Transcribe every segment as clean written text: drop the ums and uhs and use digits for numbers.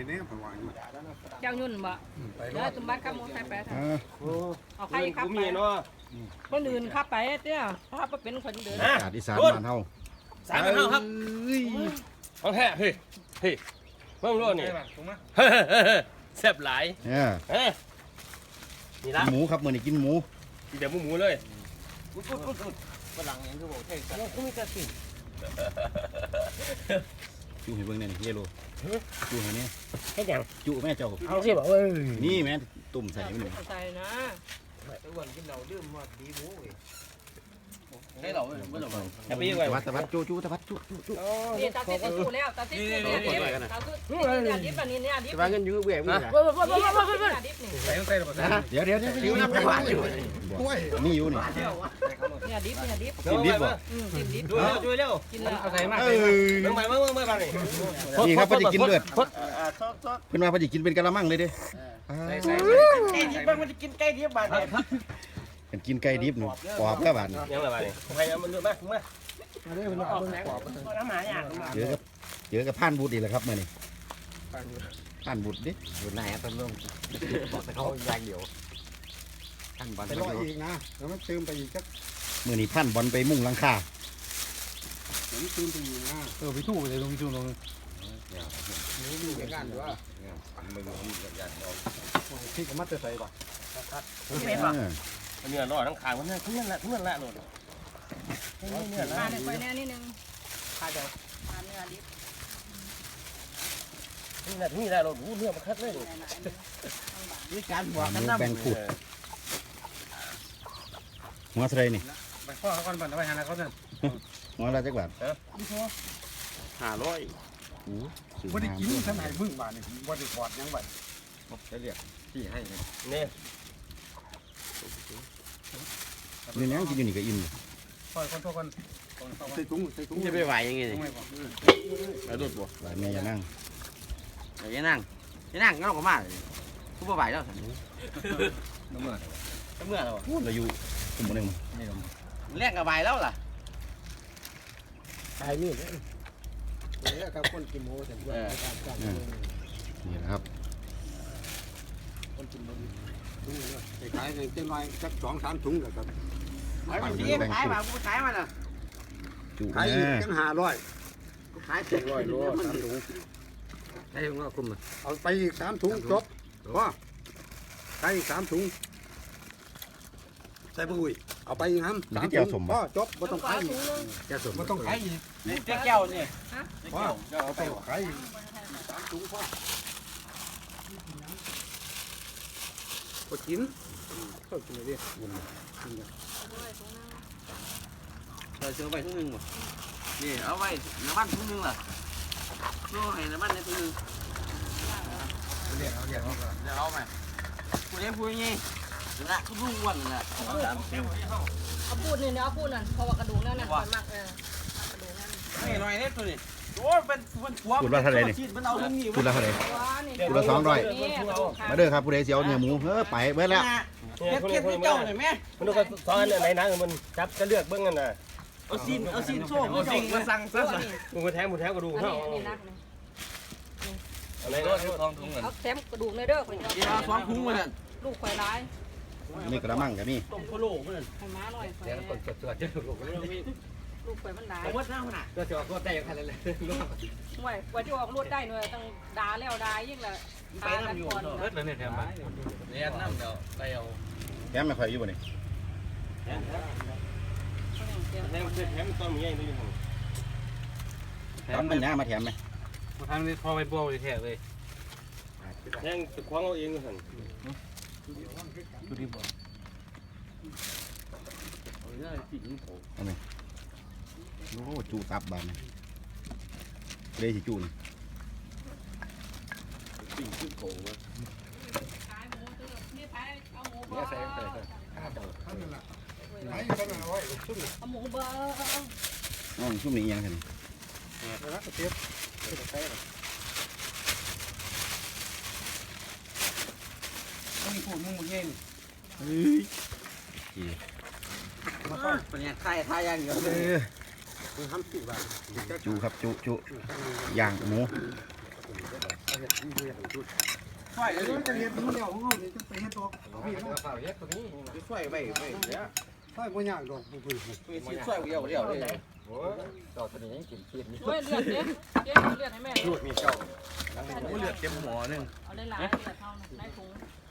เนี่ยผมว่าอยู่เจ้ายุ่นบ่เดี๋ยวตุ้มบ้านขับมอเตอร์ไซค์ไปทางเอาใครขับไปคนอื่นขับไปเตี้ยขับไปเป็นคนเดินอากาศอีสานบ้านเฮาสายมันเท่าครับของแท้เฮ้ยเฮ้ยเพิ่มรถนี่แซ่บหลายเนี่ยนี่ละหมูครับมื้อนี้กินหมูกินแต่หมูเลยฝรั่งยังคือบอกเท่กันกูมีแต่สิ่งจุให้เบิ่งหน่อยนี่เยโลจุให้เนี่ยแค่ยังจุแม่เจ้าเอาสิบอกเอ้ยนี่แม่ตุ่มใส่ไว้นี่ใส่นะไอ้วันกินเราดื่มมาดีหมูเว้ยให้เราไม่ต้องอย่าไปยังไงตะวัดจุตะวัดจุนี่ตาติ๊กสู้แล้วตาติ๊กสู้แล้วตาติ๊กเนี่ยดิบอันนี้เนี่ยดิบจะว่าเงินยืมเบี้ยมึงนะดิบนี่ใส่ใส่ระเบิดเดี๋ยวอยู่น้ำไปหวานอยู่นี่อยู่นี่เนี่ยดิบเนี่ยดิบกินดิบบ่ดิบช่วยเร็วกินแล้วเอาใส่มาเมื่อมานี่นี่ครับเพิ่นสิกินเลือดเพิ่นว่าเพิ่นสิกินเป็นกะละมังเลยเด้ใส่ไก่ดิบมันจะกินไก่ดิบบาดเนี่ยเป็นกินไก่ดิบนี่ปอบแล้วบาดนี่ยังไงบ้านี่ใครมันเยอะมากมาน้ำหมาเนี่ยเจอกับผ่านบุตรอีกแล้วครับมื้อนี้ผ่านบุตรดิอยู่ไหนต้นลมบอกแต่เขายางเดียวท่านบอลไปรออีกนะแล้วมันเติมไปอีกสักมื้อนี้ผ่านบอลไปมุ่งหลังคาผมเติมไปอีกนะไปทู่เลยลงไปทู่ลงดูเหมือนกันว่าที่ก็มัดจะใส่ป่ะเนื้อรอทั้งขางมันทั้งนั้นแหละทั้งนั้นแหละโหลดเนื้อละมาเนี่ยไปแน่นิดนึงขาเดียวขาเนื้อดิบนี่แหละโหลดเนื้อมันคัดเลยมีการบวกหกันมูน้ำแป้งขูดหัวเท่าไหร่นี่ไปพ่อเขาก่อนไปหาอะไรเขาเนี่ยหัวละจักบาท 500 ไม่ได้กินท่านไหนมึงบ้านนี่ว่าได้กอดยังบ้านจะเรียกที่ให้นี่นี่ยังกินอยู่นี่ก็อิ่มพ่อคนโทษคนใส่ถุงจะไปไหวยังไงนี่ไปดูดบ่หลายแม่อย่านั่งเดี๋ยวนั่งงั้นก็มาเลยกูไปไหวแล้วสันน้ำเมื่อเมื่อเราเราอยู่กลุ่มหนึงแรกกับไหวแล้วล่ะตายนี่แล้วก็คนกินหมูแต่ด้วยนี่นะครับคนกินหมูถุงเลยขายเงินเจ้าน้อยสัก2-3 ถุงเลยครับขายมากูขายมาน่ะจุขายอีกกัน500 ขาย700 โล 3 ถุงใช่ของเราคุมอ่ะเอาไปอีก3 ถุงจบว่าขายอีก3 ถุงใส่ปุ้ยเอาไปอีก3 ถุงพ่อจบไม่ต้องขายอีกจะสมไม่ต้องขายอีกเจ๊แก้วนี่พ่อเอาไปขายอีก3 ถุงพ่อก็กินก็กินเลยดิเราเจอไปทุกนึงหมดนี่เอาไว้น้ำมันทุกนึงล่ะสู้ให้น้ำมันในทุกนึงเรียกเอาเดี๋ยวเอาไหมกูได้พูดยังไงนั่นทุกลุงวันนั่นแหละเอาพูดนี่เอาพูดนั่นเพราะว่ากระดูกนั่นน่ะมากกระดูกนั่นไม่หน่อยเนี่ยตัวนี้โอ้เป็นหัวพูดว่าเท่าไหร่นี่มันเอาทั้งนี้พูดละเท่าไหร่นี่พูดละมาเด้อครับผู้ใดสิเอาเนื้อหมูไปเบิดแล้วเก็บที่เจ้าหน่อยแม่มันก็ซ้อนไหนนะมันจับจะเลือกเบื้องกันน่ะเอาซีนโซ่เอาซีนมาสั่งซะมึงมาแทงกระดูกเขานี่นักนี่อะไรก็ทองถุงเงินเอาแถมกระดูกในเด้อข่อยเดี๋ยวสองพุงมาเนี่ยลูกข่อยร้ายนี่กระมังกับนี่ต้มพะโล้มาเนี่ยให้ม้าหน่อยข่อยเดี๋ยวคนสวดจะถูกลูกข่อยมันร้ายผมว่าหน้ามันอ่ะก็จะออกก็ได้กันเลยห่วยกว่าที่ออกรวดได้หน่อยต้องด่าแล้วด่ายิ่งละไปน้ำอยู่เลิศเลยเนี่ยแถมมาเรียนน้ำเดี๋ยวไปเอาแถมไม่ค่อยอยู่บ่นี่แถมต้องมีอย่างนี้แถมมันยามาแถมไหมทางนี้พอไปบัวไปแทกเลยแทงจะคว้างเอาเองกันดูดิบ่โอ้จูตับบานนี่เลยสิจูนี่เนี่ยใส่ไปท่านนั่นแหละขายอยู่ท่านนั่นเอาไว้ซุ่มเอาหมูเบอร์น้องชุ่มนี่ยังไงแล้วก็เทียบใส่ต้องมีพูดมึงมึงเงี้ย เป็นไงทายอย่างเดียวเลยทำสิบบาทจูครับจูย่างหมูช่วยเลยจะเรียนรู้แล้วของเขาจะไปเฮ็ดตัวพี่เขาช่วยไปเนี่ยช่วยบ่ยากดอกผู้เพิ่นช่วยเดียวเลยโอ้ยดอกตัวนี้ยังกินเพี้ยนนี่ช่วยเลือดเด้เจ๊เลือดให้แม่ลูกมีเจ้าเลือดเต็มหัวนึงเอาได้หลายเลือดเท่านั้นในถุง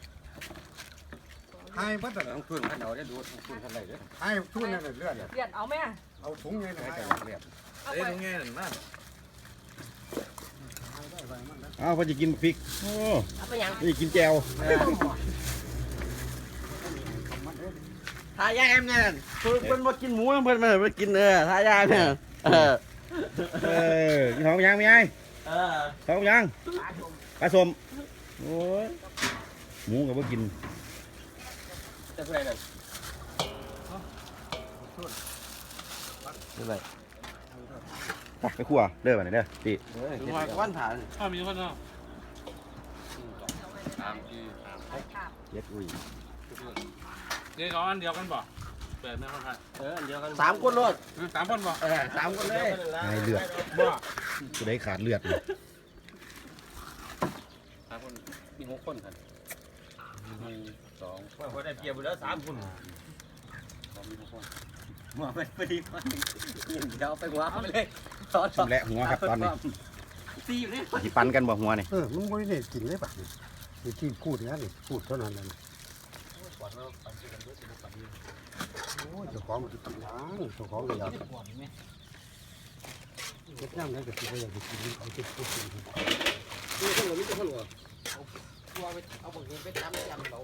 ให้เพิ่นแต่ต้องทุนขันเอาได้ดูทุนขันไหนเด้อให้ทุนนั่นเลือดเลือดเอาแม่เอาถุงไงนะให้เลือดเอาเอ้ยไปตรงนี้นั่นนะอ้าวเพิ่นจะกินพริกโอ้เอาไปยังนี่กินแจ่วทายาแอมเนี่ยเพิ่นมากินหมูเพิ่นมากินทายาเนี่ยกินของยังไม่ไงของยังปลาสมโอ้ยหมูกับว่ากินจะเท่าไหร่นั่นนี่ไรไปขั่วเด้อมาเด้อตีดูมาก้อนฐานมีคนเนาะเย็ดอุ้ยเดี๋ยวอันเดียวกันบ่แบบนี้คนไทยอันเดียวกัน 3 คนรถ 3 คนบ่ 3 คนเลยให้เลือดบ่กูได้ขาดเลือดเลย 3 คนมี6 คนกัน1 2ว่าได้เพียบแล้ว3 คนหัวไปดีกว่าเดี๋ยวไปหัวเขาไปเลยตอนชำแหละหัวครับตอนนี้ตีอยู่นี่สิปันกันบ่หัวนี่มึงบ่ได้กินเลยป่ะนี่ที่พูดนี่พูดเท่านั้นนั่นโอ้ยเจ้าของมันสิกินหยังเจ้าของก็อยากเฮ็ดยังไงก็สิบ่อยากกินเอาที่พูดกินตีคนหรือไม่ตีคนหรอเอาบางทีไปจำเรา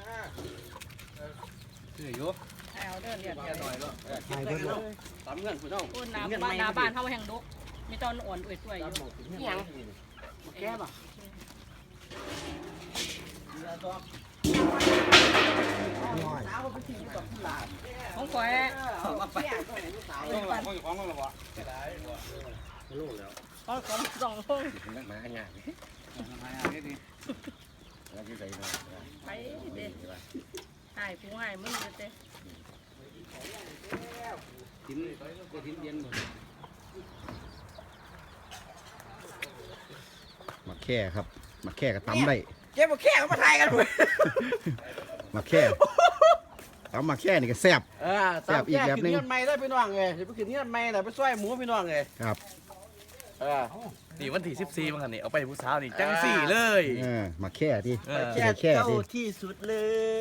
อยู่เอาเด้อเลือดแค่หน่อยเนาะให้เพิ่นเลยตามเงินคุณเจ้าพูดน้ำบ้านนาบ้านเฮาแห่งดกมีตอนอ่อนสวยๆอยู่ยังแก้ป่ะน้อยของข่อยมาไปของมึงหรอบ่ของสองพงนักหมาหยาบแล้วที่ใส่เนาะไปเด้หายผู้หายมึงเด้ทิ้นก็ทิ้นเย็นหมดมาแค่ครับมาแค่กับตำได้เจ๊บอกแค่เขามาทายกันหมดมาแค่ตำมาแค่นี่ก็แซ่บตามแก้ขึ้นเงื่อนไม่ได้พี่น้องเลยจะไปขึ้นเงื่อนไม่เลยไปช่วยหมูพี่น้องเลยครับนี่วันที่14มั้งคันนี่เอาไปให้ผู้สาวนี่จังสี่เลยมาแค่ที่แค่เจ้าที่สุดเลย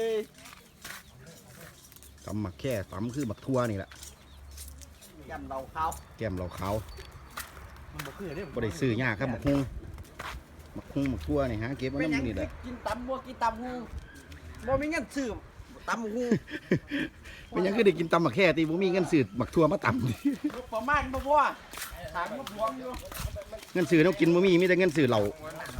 ตำมาแค่ตำคือบักทั่วนี่แหละยำเราเขาแก้มเราขาวมันบ่คือเด้บ่ได้ซื้อยากครับบักฮุ้งบักฮุ้งบักทั่วนี่ฮะเก็บไว้เป็นยังน้ำนี่แหละกินตำบัวกินตำหูบ่มีเงินซื้อตำหูเป็นหยังคือได้กินตำมาแค่ที่บ่มีเงินซื้อบักทั่วมาตำประมาณบ่พอถามมาพวงอยู่เงินซื้อต้องกินบ่มีแต่เงินซื้อเหล้า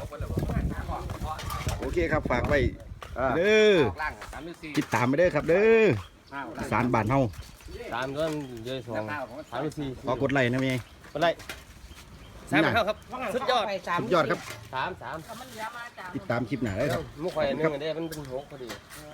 โอเคครับฝากไว้เด้อติดตามไปเด้อครับเด้อสารบ้านเฮา 3ด้วยเดือน2 3 4 ขอกดไลค์นะแม่เป็นไร3ครับสุดยอดสุดยอดครับ 3 มันเหลือมาจากติดตามคลิปหน้าได้ครับมุกไข่นึงอันนี้มันเป็น6พอดี